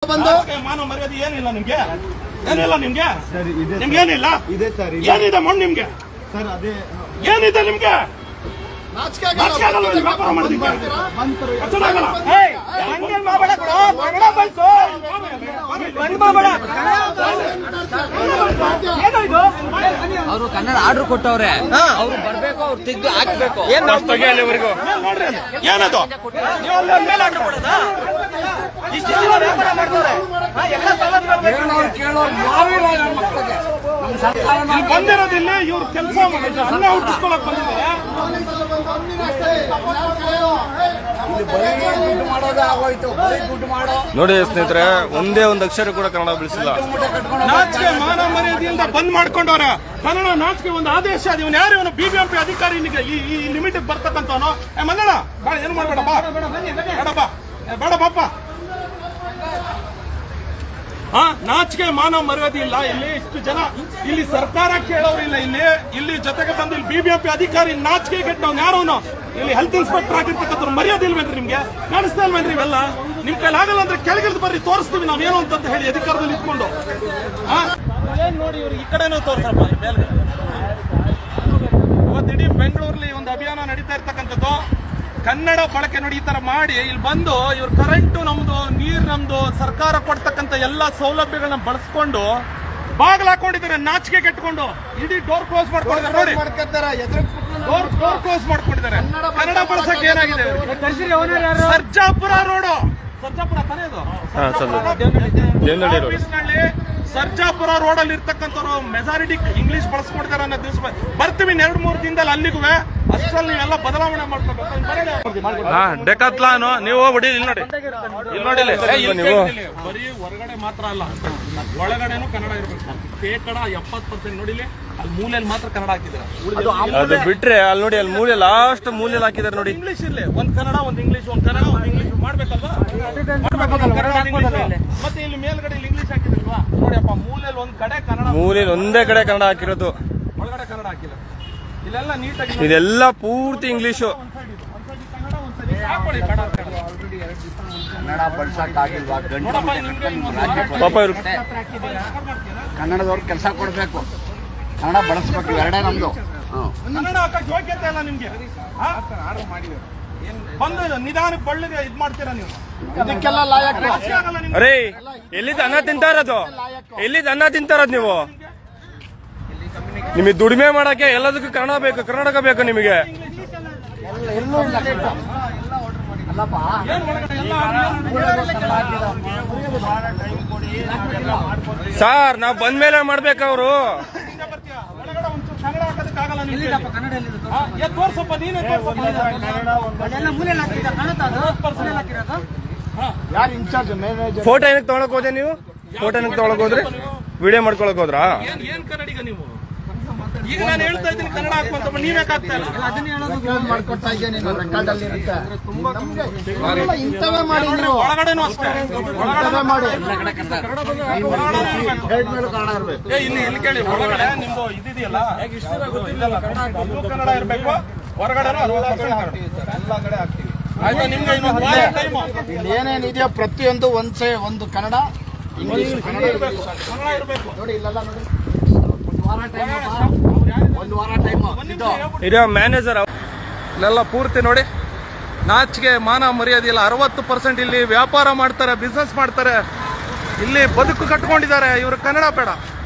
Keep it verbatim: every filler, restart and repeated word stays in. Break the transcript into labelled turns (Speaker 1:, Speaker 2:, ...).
Speaker 1: ಬಂದು
Speaker 2: ಮಾನವ ಮರ್ಯಾದೆ ಏನಿಲ್ಲ ನಿಮ್ಗೆ, ಏನಿಲ್ಲ ನಿಮ್ಗೆ, ನಿಮ್ಗೆ ಏನಿಲ್ಲ ಏನಿದೆ ಮಣ್ಣು ನಿಮ್ಗೆ, ಏನಿದೆ ನಿಮ್ಗೆ
Speaker 3: ಅವರು ಕನ್ನಡ ಆರ್ಡರ್ ಕೊಟ್ಟವ್ರೆ, ಅವ್ರು ಬರ್ಬೇಕು, ಅವ್ರು ತೆಗೆದು ಹಾಕ್ಬೇಕು.
Speaker 2: ಏನಿವರೆಗೂ ಏನದು ಬಂದಿರೋದಿಲ್ಲ. ಇವ್ರು ಕೆಲಸ ಮಾಡಿದ್ರೆ ಅನ್ನ ಹುಟ್ಟಿಸ್ಕೊಳಕ್ ಬಂದಿದ್ದಾರೆ.
Speaker 4: ನೋಡಿ ಸ್ನೇಹಿತರೆ, ಒಂದೇ ಒಂದು ಅಕ್ಷರ ಕೂಡ ಕನ್ನಡ ಬೆಳೆಸಿಲ್ಲ.
Speaker 2: ನಾಚಿಕೆ ಮಾನ ಮರ್ಯಾದೆಯಿಂದ ಬಂದ್ ಮಾಡ್ಕೊಂಡವ್ರ ಕನ್ನಡ ನಾಚಿಕೆ ಒಂದು ಆದೇಶ. ಇವನು ಯಾರು? ಇವನು ಬಿಬಿಎಂಪಿ ಅಧಿಕಾರಿ. ಈ ಲಿಮಿಟ್ ಬರ್ತಕ್ಕಂಥವನು. ಮಲ್ಲಣ್ಣ ಬಾಳ ಏನು ಮಾಡ್ಬೇಡ, ಬಾ ಬೇಡಪ್ಪ, ಬೇಡ ಬಾಪ. ಹಾ, ನಾಚಿಕೆ ಮಾನ ಮರ್ಯಾದೆ ಇಲ್ಲ. ಇಲ್ಲಿ ಇಷ್ಟು ಜನ, ಇಲ್ಲಿ ಸರ್ಕಾರ ಕೇಳೋರಿಲ್ಲ. ಇಲ್ಲಿ ಇಲ್ಲಿ ಜೊತೆಗೆ ಬಂದು ಇಲ್ಲಿ ಬಿಬಿಎಂಪಿ ಅಧಿಕಾರಿ ನಾಚಿಕೆ ಕೆಟ್ಟವ್ನು ಯಾರವನು? ಇಲ್ಲಿ ಹೆಲ್ತ್ ಇನ್ಸ್ಪೆಕ್ಟರ್ ಆಗಿರ್ತಕ್ಕಂಥ ಮರ್ಯಾದೆ ಇಲ್ವೇನ್ರಿ ನಿಮ್ಗೆ? ಕಾಣಿಸ್ತಾ ಇಲ್ವೇನ್ರಿ ಇವೆಲ್ಲ? ನಿಮ್ ಕೈಲಿ ಆಗಲ್ಲ ಅಂದ್ರೆ ಕೆಳಗಿಳಿದು ಬರ್ರಿ, ತೋರಿಸ್ತೀವಿ ನಾವೇನು ಅಂತ ಹೇಳಿ ಅಧಿಕಾರದಲ್ಲಿ ಇಟ್ಕೊಂಡು. ಹಾ, ಏನ್ ನೋಡಿ ಇವ್ರು ಈ ಕಡೆನೂ ತೋರ್ಸಪ್ಪ. ಮೇಲೆ ಇವತ್ತು ಇಡೀ ಬೆಂಗಳೂರಲ್ಲಿ ಒಂದು ಅಭಿಯಾನ ನಡೀತಾ ಇರ್ತಕ್ಕಂಥದ್ದು. ಕನ್ನಡ ಬಳಕೆ ನೋಡಿ ಈ ತರ ಮಾಡಿ ಇಲ್ಲಿ ಬಂದು ಇವ್ರು ಕರೆಂಟು ನಮ್ದು, ನೀರ್ ನಮ್ದು, ಸರ್ಕಾರ ಕೊಡ್ತಕ್ಕಂಥ ಎಲ್ಲಾ ಸೌಲಭ್ಯಗಳನ್ನ ಬಳಸ್ಕೊಂಡು ಬಾಗಿಲು ಹಾಕೊಂಡಿದ್ದಾರೆ. ನಾಚಿಕೆ ಕೆಟ್ಕೊಂಡು ಇಡೀ ಡೋರ್ ಕ್ಲೋಸ್ ಮಾಡ್ಕೊಂಡಿದ್ದಾರೆ. ನೋಡಿ, ಡೋರ್ ಡೋರ್ ಕ್ಲೋಸ್ ಮಾಡ್ಕೊಂಡಿದ್ದಾರೆ. ಕನ್ನಡ ಬಳಸಕ್ಕೆ ಏನಾಗಿದೆ? ಸರ್ಜಾಪುರ ರೋಡು, ಸರ್ಜಾಪುರ ತಾನೇ ಅದು, ಆಫೀಸ್ನಲ್ಲಿ ಸರ್ಜಾಪುರ ರೋಡ್ ಅಲ್ಲಿ ಇರ್ತಕ್ಕಂಥವ್ರು ಮೆಜಾರಿಟಿ ಇಂಗ್ಲಿಷ್ ಬಳಸ್ಕೊಡ್ತಾರೆ ಅನ್ನೋ ದಿವಸ ಬರ್ತೀವಿ. ಎರಡು ಮೂರು ದಿನದಲ್ಲಿ ಅಲ್ಲಿಗೂ ಅಷ್ಟರಲ್ಲಿ ನೀವೆಲ್ಲ ಬದಲಾವಣೆ ಮಾಡ್ಕೋಬೇಕು. ಡೆಕಾತ್ಲಾನು ನೀವು ಹೊಡಿ. ಇಲ್ಲಿ ನೋಡಿ, ಇಲ್ಲಿ ನೋಡಿ, ಬರೀ ಹೊರಗಡೆ ಮಾತ್ರ ಅಲ್ಲ, ಒಳಗಡೆನೂ ಕನ್ನಡ ಇರ್ಬೇಕು. ಶೇಕಡ ಎಪ್ಪತ್ತು ಪರ್ಸೆಂಟ್ ನೋಡಿಲಿ, ಅಲ್ಲಿ ಮೂಲೆಯಲ್ಲಿ ಮಾತ್ರ ಕನ್ನಡ ಹಾಕಿದ್ದಾರೆ.
Speaker 4: ಅದು ಬಿಟ್ರೆ ಅಲ್ಲಿ ನೋಡಿ, ಅಲ್ಲಿ ಮೂಲೆ ಲಾಸ್ಟ್ ಮೂಲೆಯಲ್ಲಿ ಹಾಕಿದ್ದಾರೆ ನೋಡಿ.
Speaker 2: ಇಂಗ್ಲಿಷ್ ಇರ್ಲಿ, ಒಂದ್ ಕನ್ನಡ, ಒಂದ್ ಇಂಗ್ಲಿಷ್, ಒಂದ್ ಕನ್ನಡ, ಒಂದ್ ಇಂಗ್ಲಿಷ್ ಮಾಡ್ಬೇಕಲ್ವಾ? ಮತ್ತೆ ಇಲ್ಲಿ ಮೇಲ್ಗಡೆ ಇಲ್ಲಿ ಇಂಗ್ಲಿಷ್ ಹಾಕಿದ್ರಲ್ವಾ? ನೋಡಿಯಪ್ಪ, ಮೂಲೆಯಲ್ಲಿ ಒಂದ್ ಕಡೆ ಕನ್ನಡ,
Speaker 4: ಮೂಲೆಯಲ್ಲಿ ಒಂದೇ ಕಡೆ ಕನ್ನಡ ಹಾಕಿರೋದು,
Speaker 2: ಒಳಗಡೆ ಕನ್ನಡ ಹಾಕಿಲ್ಲ. ಇಲ್ಲೆಲ್ಲ ನೀಟಾಗಿ
Speaker 4: ಇದೆಲ್ಲ ಪೂರ್ತಿ ಇಂಗ್ಲಿಷು.
Speaker 1: ಕನ್ನಡ ಬಳಸಕ್ಕಾಗಿಲ್ವಾ?
Speaker 4: ಪಾಪ ಇವ್ರು
Speaker 1: ಕನ್ನಡದವ್ರು ಕೆಲಸ ಕೊಡ್ಬೇಕು, ಕನ್ನಡ ಬಳಸ್ಬೇಕು. ಎರಡೇ ನಮ್ದು.
Speaker 2: ಕನ್ನಡ ಹಾಕಕ್ ಯೋಗ್ಯತೆ ಇಲ್ಲ ನಿಮ್ಗೆ. ಬಂದು ನಿಧಾನಕ್ಕೆ ಬಳ್ಳಿಗೆ ಇದ್ ಮಾಡ್ತೀರಾ ನೀವು.
Speaker 1: ಇದಕ್ಕೆಲ್ಲ ಲಾಯಕ್.
Speaker 4: ಅರೇ, ಎಲ್ಲಿದ್ ಅನ್ನ ತಿಂತಾರದು? ಎಲ್ಲಿದ್ ಅನ್ನ ತಿಂತಾರದ್ ನೀವು? ನಿಮಗೆ ದುಡಿಮೆ ಮಾಡಕ್ಕೆ ಎಲ್ಲದಕ್ಕೂ ಕನ್ನಡ ಬೇಕು, ಕರ್ನಾಟಕ ಬೇಕು ನಿಮಗೆ. ಸಾರ್, ನಾವ್ ಬಂದ್ಮೇಲೆ ಮಾಡ್ಬೇಕು. ಅವರು ಫೋಟೋ ಏನಕ್ಕೆ ತಗೊಳಕ್ ಹೋದೆ ನೀವು? ಫೋಟೋ ಏನಕ್ಕೆ ತಗೊಳಕ್ ಹೋದ್ರಿ? ವಿಡಿಯೋ ಮಾಡ್ಕೊಳಕ್ ಹೋದ್ರಾ?
Speaker 2: ಏನ್ ಕನ್ನಡಿಗ ನೀವು? ಈಗ ನಾನು ಹೇಳ್ತಾ ಇದ್ದೀನಿ ಕನ್ನಡ ಹಾಕುವಂತ, ನೀವೇ ಆಗ್ತಾ ಇಲ್ಲ.
Speaker 1: ಮಾಡ್ಕೊಡ್ತಾ ಇದ್ದೀನಿ, ರೆಕಾರ್ಡ್ ಅಲ್ಲಿ ಇರುತ್ತೆ. ಇಂಥವೇ ಮಾಡಿ,
Speaker 2: ಒಳಗಡೆನೂ ಅಷ್ಟೇ, ಒಳಗಡೆ ಮಾಡಿ. ಇಲ್ಲಿ ಇಲ್ಲಿ ಕೇಳಿ, ಒಳಗಡೆ ನಿಮ್ದು ಇದಿದೆಯಲ್ಲ, ಕನ್ನಡ ಇರ್ಬೇಕು, ಹೊರಗಡೆ ಎಲ್ಲ ಕಡೆ ಹಾಕ್ತೀವಿ. ಆಯ್ತಾ? ನಿಮ್ಗೆ ಇಲ್ಲಿ
Speaker 1: ಏನೇನಿದೆಯೋ ಪ್ರತಿಯೊಂದು ಒಂದ್ಸೇ ಒಂದು ಕನ್ನಡ, ಇಂಗ್ಲಿಷ್, ಕನ್ನಡ
Speaker 2: ಇರಬೇಕು, ಕನ್ನಡ ಇರಬೇಕು.
Speaker 1: ನೋಡಿ, ಇಲ್ಲೆಲ್ಲ ನೋಡಿ, ಒಂದು ವಾರ ಟೈಮ್
Speaker 4: ಇರೋ ಮ್ಯಾನೇಜರ್
Speaker 2: ಇಲ್ಲೆಲ್ಲ ಪೂರ್ತಿ ನೋಡಿ ನಾಚಿಕೆ ಮಾನ ಮರ್ಯಾದೆ ಇಲ್ಲ. ಅರವತ್ತು ಪರ್ಸೆಂಟ್ ಇಲ್ಲಿ ವ್ಯಾಪಾರ ಮಾಡ್ತಾರೆ, ಬಿಸ್ನೆಸ್ ಮಾಡ್ತಾರೆ, ಇಲ್ಲಿ ಬದುಕು ಕಟ್ಕೊಂಡಿದ್ದಾರೆ. ಇವರು ಕನ್ನಡ ಬೇಡ.